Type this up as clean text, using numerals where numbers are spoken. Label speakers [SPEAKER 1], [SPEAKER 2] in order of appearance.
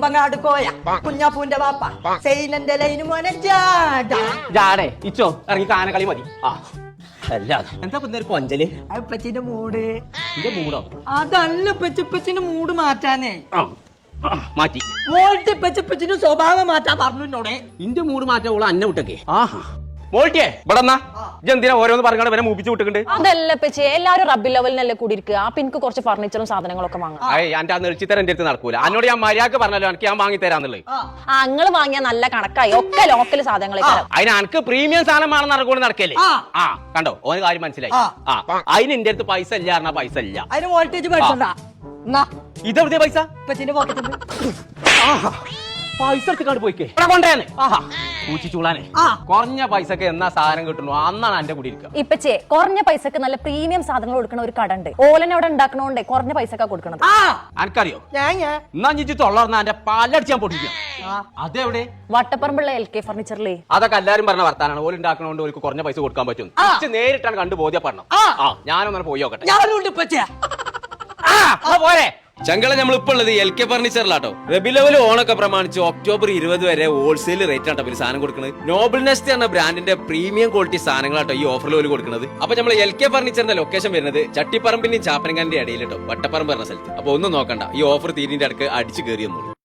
[SPEAKER 1] കൊമ്പങ്ങാട് കോയ കുഞ്ഞാപ്പൂന്റെ വാപ്പ സൈനന്റെ ലൈന് മോനെ
[SPEAKER 2] ജാടേ ഇച്ചോ ഇറങ്ങി കാനകളി മതി. ആ അല്ലാതെ എന്താ ഒരു കൊഞ്ചല്
[SPEAKER 1] അപ്പച്ചിന്റെ മൂട്.
[SPEAKER 2] എന്റെ മൂടോ?
[SPEAKER 1] അതല്ല പെച്ചപ്പച്ചിന്റെ മൂട് മാറ്റാനേ.
[SPEAKER 2] മാറ്റി
[SPEAKER 1] മോൾട്ട് പെച്ചപ്പച്ചിന്റെ സ്വഭാവം മാറ്റാൻ പറഞ്ഞു എന്നോടെ.
[SPEAKER 2] ഇന്റെ മൂട് മാറ്റാൻ ഓള് അന്നെ വിട്ടൊക്കെ. ആഹാ മോൾട്ടിയെ ഇവിടെ എന്തിനാ ഓരോന്ന് പറഞ്ഞാൽ വരെ മൂപ്പിച്ച് വിട്ടിട്ടുണ്ട്.
[SPEAKER 3] അതല്ല പച്ചേ എല്ലാരും റബ്ബി ലെവലിനല്ലേ കൂടി ഇരിക്കുക. അപ്പൊ എനിക്ക് കുറച്ച് ഫർണിച്ചറും സാധനങ്ങളൊക്കെ വാങ്ങാം.
[SPEAKER 2] എന്റെ ആ നെളിച്ചിത്തരം എന്റെ അടുത്ത് നടക്കൂല. എന്നോട് ഞാൻ മര്യാദക്ക് പറഞ്ഞല്ലോ എനിക്ക് ഞാൻ വാങ്ങി തരാന്നുള്ളത്.
[SPEAKER 3] അങ്ങള് വാങ്ങിയ നല്ല കണക്കായി ഒക്കെ ലോക്കൽ സാധനങ്ങളൊക്കെ.
[SPEAKER 2] അതിന് എനിക്ക് പ്രീമിയം സാധനമാണെന്ന് നടക്കൂടെ നടക്കല്ലേ. ആ കണ്ടോ ഓന് കാര്യം മനസ്സിലായി. അതിന് എന്റെ അടുത്ത് പൈസ ഇല്ല പറഞ്ഞാ പൈസ ഇല്ല.
[SPEAKER 1] അതിന് വോൾട്ടേജ് പഠിച്ചോണ്ടാ.
[SPEAKER 2] ഇതെവിടെയാ പൈസ?
[SPEAKER 1] ഇപ്പച്ചിന്റെ പോക്കറ്റിൽ.
[SPEAKER 2] പൈസ എടുത്ത് പോയിക്കേ കൊണ്ടേന്ന്. ആഹാ പൂച്ചിച്ചൂളാനെ കുറഞ്ഞ പൈസക്ക് എന്നാ സാധനം കിട്ടുന്നു അന്നാണ് എന്റെ കൂടി ഇരിക്കുക.
[SPEAKER 3] ഇപ്പച്ചേ കുറഞ്ഞ പൈസക്ക് നല്ല പ്രീമിയം സാധനങ്ങൾ കൊടുക്കുന്ന ഒരു കട ഉണ്ട്. ഓലനെ അവിടെ ഉണ്ടാക്കണോണ്ടേ കുറഞ്ഞ പൈസക്കാ കൊടുക്കണത്.
[SPEAKER 2] എനിക്കറിയോ? എന്നാ ഞിച്ച് തൊള്ളർന്ന എന്റെ പാലടിച്ച് ഞാൻ പൊട്ടിക്കാം. അതെവിടെ?
[SPEAKER 3] വട്ടപ്പറമ്പുള്ള LK ഫർണിച്ചറിലേ.
[SPEAKER 2] അതൊക്കെ എല്ലാരും പറഞ്ഞ വർത്താനാണ്. ഓല് ഉണ്ടാക്കണോണ്ട് ഓർക്ക് കുറഞ്ഞ പൈസ കൊടുക്കാൻ പറ്റും. നേരിട്ടാണ് കണ്ടു ബോധ്യപ്പെടണം. ഞാനൊന്നും പോയി നോക്കട്ടെ. പോരെ ചങ്കള നമ്മളിപ്പോ ഉള്ളത് LK ഫർണിച്ചറിലാട്ടോ. റബി ലെവൽ ഓണൊക്കെ പ്രമാണിച്ച് ഒക്ടോബർ 20 വരെ ഹോൾസെയിൽ റേറ്റ് ആട്ടോ ഇവര് സാധനം കൊടുക്കുന്നത്. നോബിൾ നെസ്റ്റ് എന്ന ബ്രാൻഡിന്റെ പ്രീമിയം ക്വാളിറ്റി സാധനങ്ങളാട്ടോ ഈ ഓഫറിൽ ഓല് കൊടുക്കുന്നത്. അപ്പൊ നമ്മൾ LK ഫർണിച്ചറിന്റെ ലൊക്കേഷൻ വരുന്നത് ചട്ടിപ്പറമ്പിന്റെയും ചാപ്പനങ്ങാന്റെ ഇടയിലിട്ടോ വട്ടപ്പറമ്പ് പറഞ്ഞ സ്ഥലത്ത്. അപ്പൊ ഒന്നും നോക്കണ്ട, ഈ ഓഫർ തീരിന്റെ അടുക്ക് അടിച്ചു കയറിയൊന്നുള്ളൂ.